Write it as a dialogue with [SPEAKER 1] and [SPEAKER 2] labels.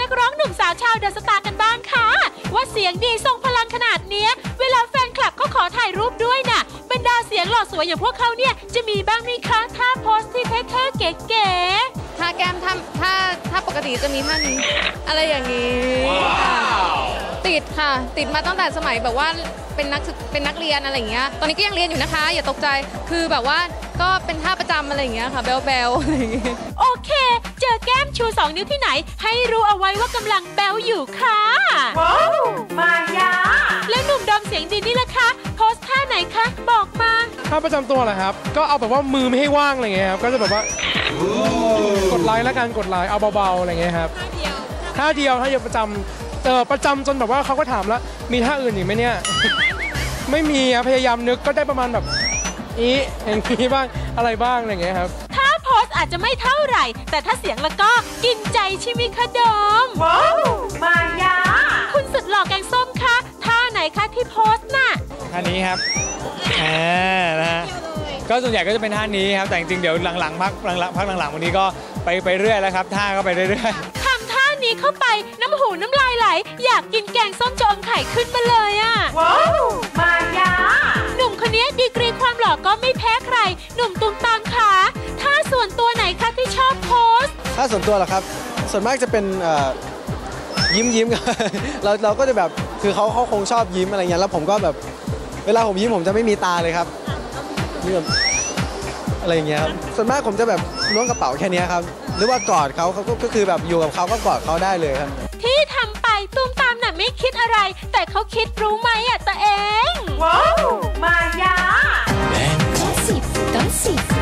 [SPEAKER 1] กร้องหนุ่มสาวชาวเดอะสตาร์กันบ้างค่ะว่าเสียงดีทรงพลังขนาดเนี้ยเวลาแฟนคลับเขาขอถ่ายรูปด้วยน่ะบรรดาเสียงหล่อสวยอย่างพวกเขาเนี่ยจะมีบ้างไหมคะท่าโพสที่เท่ๆเก๋ๆ
[SPEAKER 2] ท่าแก้มถ้าปกติจะมีท่านี้อะไรอย่างนี้ติดค่ะติดมาตั้งแต่สมัยแบบว่าเป็นนักเรียนอะไรอย่างเงี้ยตอนนี้ก็ยังเรียนอยู่นะคะอย่าตกใจคือแบบว่าก็เป็นท่าประจำอะไรอย่างเงี้ยค่ะเบลอะไรอย่างเงี้ย
[SPEAKER 1] โอเคเจอแก้มชู2 นิ้วที่ไหนให้รู้เอาไว้ว่ากำลังแบลอยู่ค่ะว้าวมายาแล้วหนุ่มดอมเสียงดีนี่ล่ะคะโพสท่าไหนคะบอกมา
[SPEAKER 3] ท่าประจำตัวเหรอครับก็เอาแบบว่ามือไม่ให้ว่างอะไรเงี้ยครับก็จะแบบว่ากดไลค์แล้วกันกดไลค์เอาเบาๆอะไรเงี้ยครับท่าเดียวประจำจนแบบว่าเขาก็ถามแล้วมีท่าอื่นอีกไหมเนี่ย ไม่มีพยายามนึกก็ได้ประมาณแบบอย่างนี้บ้างอะไรบ้างอะไรเงี้ยครับ
[SPEAKER 1] ถ้าโพสอาจจะไม่เท่าไหร่แต่ถ้าเสียงแล้วก็กินใจใช่ไหมคะดอมว้าวมายาคุณสุดหล่อแกงส้มคะท่าไหนคะที่โพสน่ะ
[SPEAKER 4] ท่านี้ครับนะฮะก็ส่วนใหญ่ก็จะเป็นท่านี้ครับแต่จริงๆเดี๋ยวพักหลังวันนี้ก็ไปเรื่อยแล้วครับท่าก็ไปเรื่อย
[SPEAKER 1] ทำท่านี้เข้าไปน้ำหูน้ำลายไหลอยากกินแกงส้มจะอมไข่ขึ้นมาเลยอ่ะว้าวมายาหนุ่มคนนี้ดีกรีความหล่อก็ไม่แพ้ใครหนุ่มตุ้มตามขาท่าส่วนตัวไหนคะที่ชอบโพส
[SPEAKER 5] ท่าส่วนตัวเหรอครับส่วนมากจะเป็นยิ้มเราก็จะแบบคือเขาคงชอบยิ้มอะไรเงี้ยแล้วผมก็แบบเวลาผมยิ้มผมจะไม่มีตาเลยครับนี่แบบอะไรอย่างเงี้ยครับส่วนมากผมจะแบบล้วงกระเป๋าแค่นี้ครับหรือว่ากอดเขาก็คือแบบอยู่กับเขาก็กอดเขาได้เลยครับ
[SPEAKER 1] ที่ทำไปตุ้มตามน่ะไม่คิดอะไรแต่เขาคิดรู้ไหมอ่ะตัวเองว้าวมายา